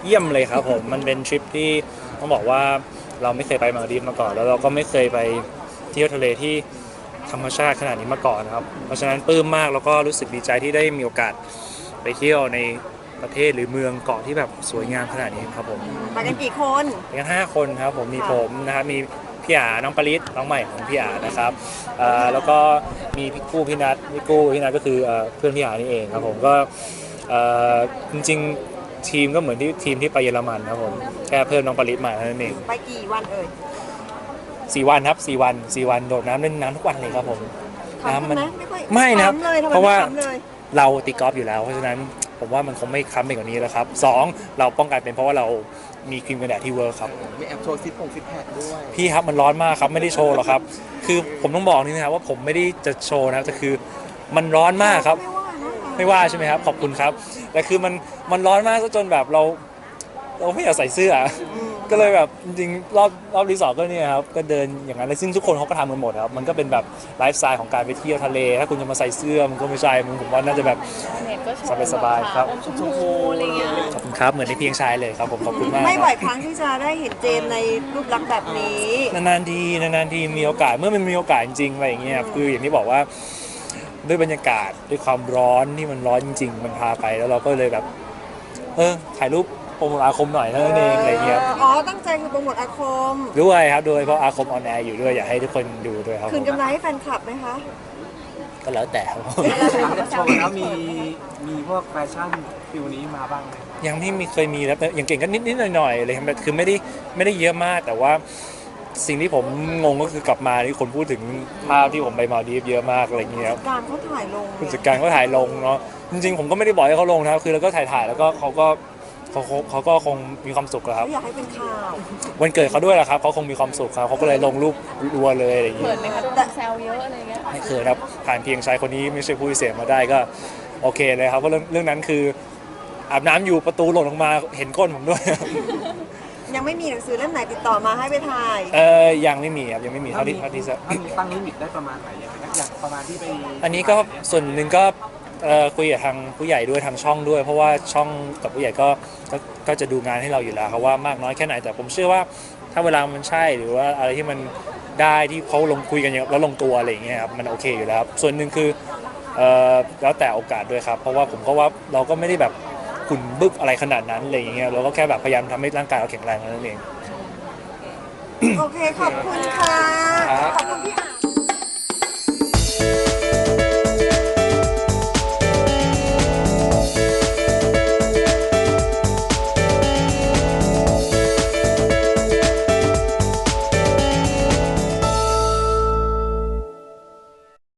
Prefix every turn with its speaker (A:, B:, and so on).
A: เยี่ยมเลยครับผมมันเป็นทริปที่ต้องบอกว่าเราไม่เคยไปมาลดีฟมาก่อนแล้วเราก็ไม่เคยไปเที่ยวทะเลที่ธรรมชาติขนาดนี้มาก่อนนะครับเพราะฉะนั้นปลื้มมากแล้วก็รู้สึกดีใจที่ได้มีโอกาสไปเที่ยวในประเทศหรือเมืองเกาะที่แบบสวยงามขนาดนี้ครับผม
B: ไปกันกี่คน
A: ไปกัน5 คนครับผมมีผมนะครับมีพี่อาน้องปริศน้องใหม่ของพี่อานะครับแล้วก็มีพี่กู้พี่นัทพี่นัทก็คือเพื่อนพี่อานี่เองครับผมก็จริงๆทีมก็เหมือนที่ทีมที่ไปเยอรมันครับผมแค่เพิ่มน้องปริศมาเท่านั้นเอง
B: ไปกี่วันเอ่ย
A: 4 วันครับ4 วันโดดน้ำเล่นน้ำทุกวันเลยครับผมน้ำมัน
B: ไม่
A: นะครับ
B: เลย
A: เพราะว่า
B: เลย
A: เราตีกอล์ฟอยู่แล้วเพราะฉะนั้นผมว่ามันคงไม่ค้ำไปกว่านี้แล้วครับ2เราป้องกันเป็นเพราะว่าเรามีครีมกันแดดที่เวิร์คครับ
C: มีแอบโชว์ซิปแพคด้วย
A: พี่ครับมันร้อนมากครับไม่ได้โชว์หรอกครับคือผมต้องบอกนี่นะครับว่าผมไม่ได้จะโชว์นะแต่คือมันร้อนมากครับไม่ว่าใช่ไหมครับขอบคุณครับแต่คือมันร้อนมากจนแบบเราไม่อยากใส่เสื้อก็เลยแบบจริงๆรอบรีสอร์ทก็เนี่ยครับก็เดินอย่างนั้นเลยซึ่งทุกคนเขาก็ทำกันหมดครับมันก็เป็นแบบไลฟ์สไตล์ของการไปเที่ยวทะเลถ้าคุณจะมาใส่เสื้อมันก็ไม่ใช่ผมว่าน่าจะแบบสบายๆครับ
D: ชมพูอะไรเงี้ย
A: ขอบคุณครับเหมือนในเพียงชายเลยครับผมขอบคุณมาก
B: ไม่บ่อยครั้งที่จะได้เห็นเจมในรูปลักษณ์แบบนี้
A: นานๆทีมีโอกาสเมื่อมันมีโอกาสจริงๆอะไรอย่างเงี้ยคืออย่างที่บอกว่าด้วยบรรยากาศด้วยความร้อนที่มันร้อนจริงๆมันพาไปแล้วเราก็เลยแบบถ่ายรูปโปรโมทอาคมหน่อยเท่านั้นเองอะไรเงี้ย
B: อ๋อตั้งใจคือโปรโมทอาคม
A: ด้วยครับโดยเพราะอาคมออนแอร์อยู่ด้วยอยากให้ทุกคนดูด้วยครับ
B: คืนกำไรให้แฟนคลับไหมคะ
A: ก็แล้วแต่ครับ
C: หลังจากโชว์แล้วมีพวกแฟชั่นฟิลนี้มาบ้างไหม
A: ยังไม่มีเคยมีแล้วแต่อย่างเก่งก็นิดหน่อยๆเลยครับคือไม่ได้เยอะมากแต่ว่าสิ่งที่ผมงงก็คือกลับมาที่คนพูดถึงภาพที่ผมไปมาลดีฟเยอะมากอะไรเงี้ยครับ
B: การเขาถ่ายลง
A: ผู้จัดการเขาถ่ายลงเนาะจริงๆผมก็ไม่ได้บอกให้เขาลงนะครับคือเราก็ถ่ายแล้วก็เขาก็คงมีความสุขครับ
B: อยากให้เป็นข่าว
A: วันเกิดเขาด้วยแหละครับเขาคงมีความสุขครับเขาก็เลยลงรูปรัวเลยอะไรอย่างเงี้
D: เขิ
A: ย
D: นไหมคะโดนแซวเยอะอะไรเงี้ย
A: ไม่เคยครับผ่านเพียงชายคนนี้ไม่ใช่ผู้พิเศษมาได้ก็โอเคเลยครับเพราะเรื่องนั้นคืออาบน้ำอยู่ประตูหล่นลงมาเห็นก้นผมด้วย
B: ยังไม่มีหนังสือเล่มไหนติดต่อมาให้ไปถ่าย
A: ยังไม่มีครับยังไม่มีเท่าที่จะ
C: ตั้งลิมิตได้ประมาณไหนอย่างประมาณที่ไป
A: อันนี้ก็ส่วนหนึ่งก็คุยกับทางผู้ใหญ่ด้วยทางช่องด้วยเพราะว่าช่องกับผู้ใหญ่ก็จะดูงานให้เราอยู่แล้วครับว่ามากน้อยแค่ไหนแต่ผมเชื่อว่าถ้าเวลามันใช่หรือว่าอะไรที่มันได้ที่เขาลงคุยกันแล้วลงตัวอะไรอย่างเงี้ยครับมันโอเคอยู่แล้วครับส่วนหนึ่งคือแล้วแต่โอกาสด้วยครับเพราะว่าผมก็ว่าเราก็ไม่ได้แบบขุ่นบึกอะไรขนาดนั้นอะไรอย่างเงี้ยเราก็แค่แบบพยายามทำให้ร่างกายเราแข็งแรงนั่นเอง
B: โอเคขอบคุณค่ะขอบคุณพี่